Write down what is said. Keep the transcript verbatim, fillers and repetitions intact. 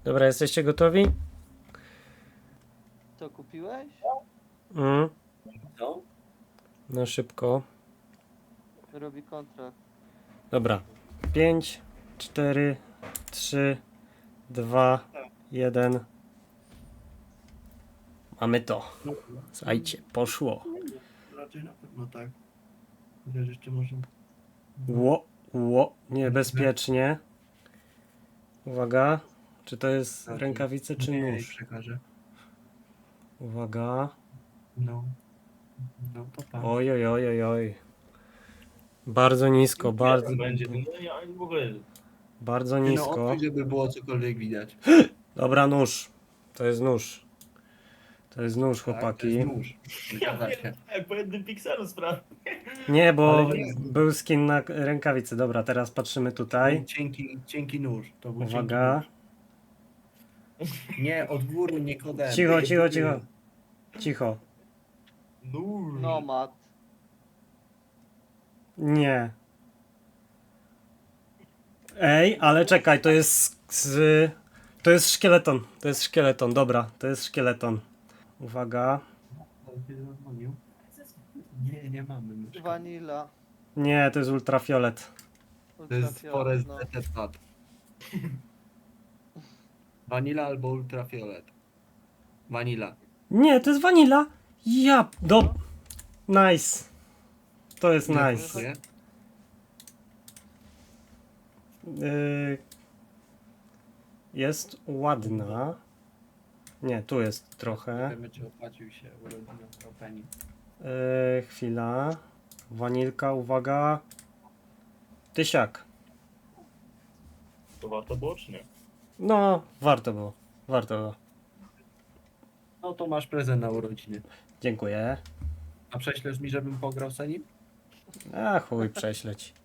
Dobra, jesteście gotowi? Co kupiłeś? Mm, Co? no szybko. Robi kontrakt. Dobra. pięć, cztery, trzy, dwa, jeden. Mamy to. Słuchajcie, poszło. Raczej na pewno tak. Chociaż jeszcze może... Ło, ło, niebezpiecznie. Uwaga. Czy to jest rękawice, czy Nie, nóż? przekażę. Uwaga. No. No to tak. Oj, oj, oj, oj, oj. Bardzo nisko, bardzo, Będzie, no ja w ogóle. bardzo Nie no, nisko. odsuń, żeby było cokolwiek widać. Dobra, nóż. To jest nóż. To jest nóż, Tak, to chłopaki. jest nóż. Ja Zgadza się. pierdolę, po jednym pikselu sprawy. Nie, bo Ale nie. był skin na rękawicy. Dobra, teraz patrzymy tutaj. Cienki, cienki nóż. To był Uwaga. cienki nóż. Nie, od góry, nie kodem. Cicho, cicho, cicho. Cicho. Nóż. Nomad. Nie. Ej, ale czekaj, to jest z... To jest szkieleton. To jest szkieleton, dobra. To jest szkieleton. Uwaga. Nie, nie mamy myszki. Vanilla. Nie, to jest ultrafiolet. To jest Ultrafiolet, Forest no. D T Pad. Vanilla albo ultrafiolet. Vanilla. Nie, to jest vanilla. Ja, do... Nice. To jest Ile nice. kosztuje? Yy, jest ładna. Nie, tu jest trochę. Wiemy, czy opłacił się urodziny opening. Yy, chwila. Wanilka, uwaga. Tysiak. To warto było, czy nie? No, warto było. Warto było. No to masz prezent na urodziny. Dziękuję. A prześlesz mi, żebym pograł za nim? A chuj, prześleć.